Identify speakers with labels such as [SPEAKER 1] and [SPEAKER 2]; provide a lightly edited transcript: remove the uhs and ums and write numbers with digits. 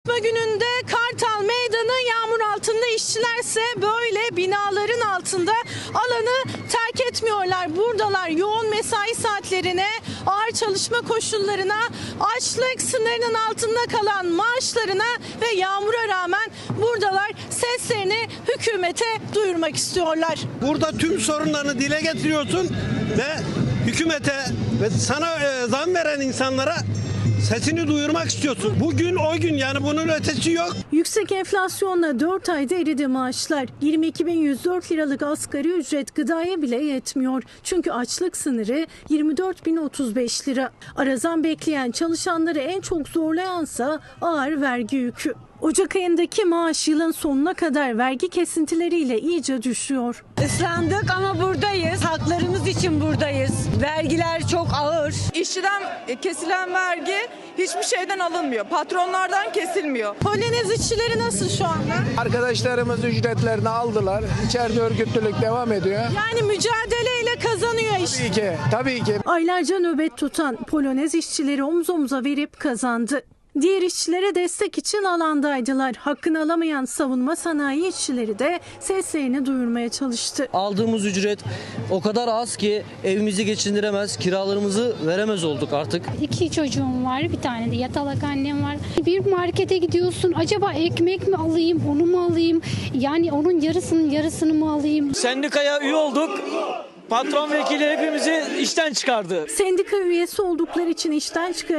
[SPEAKER 1] Gününde Kartal Meydanı yağmur altında, işçilerse böyle binaların altında alanı terk etmiyorlar. Buradalar yoğun mesai saatlerine, ağır çalışma koşullarına, açlık sınırının altında kalan maaşlarına ve yağmura rağmen buradalar, seslerini hükümete duyurmak istiyorlar.
[SPEAKER 2] Burada tüm sorunlarını dile getiriyorsun ve hükümete ve sana zam veren insanlara sesini duyurmak istiyorsun. Bugün o gün, yani bunun ötesi yok.
[SPEAKER 1] Yüksek enflasyonla 4 ayda eridi maaşlar. 22.104 liralık asgari ücret gıdaya bile yetmiyor. Çünkü açlık sınırı 24.035 lira. Ara zam bekleyen çalışanları en çok zorlayansa ağır vergi yükü. Ocak ayındaki maaş yılın sonuna kadar vergi kesintileriyle iyice düşüyor.
[SPEAKER 3] Islandık ama buradayız. Haklarımız için buradayız. Vergiler çok ağır.
[SPEAKER 4] İşçiden kesilen vergi hiçbir şeyden alınmıyor. Patronlardan kesilmiyor.
[SPEAKER 1] Polonez işçileri nasıl şu anda?
[SPEAKER 5] Arkadaşlarımız ücretlerini aldılar. İçeride örgütlülük devam ediyor.
[SPEAKER 1] Yani mücadeleyle kazanıyor iş.
[SPEAKER 5] Tabii ki.
[SPEAKER 1] Aylarca nöbet tutan Polonez işçileri omuz omuza verip kazandı. Diğer işçilere destek için alandaydılar. Hakkını alamayan savunma sanayi işçileri de seslerini duyurmaya çalıştı.
[SPEAKER 6] Aldığımız ücret o kadar az ki evimizi geçindiremez, kiralarımızı veremez olduk artık.
[SPEAKER 7] 2 çocuğum var, bir tane de yatalak annem var. Bir markete gidiyorsun, acaba ekmek mi alayım, onu mu alayım? Yani onun yarısını mı alayım?
[SPEAKER 8] Sendikaya üye olduk. Patron vekili hepimizi işten çıkardı.
[SPEAKER 1] Sendika üyesi oldukları için işten çıkarıldı.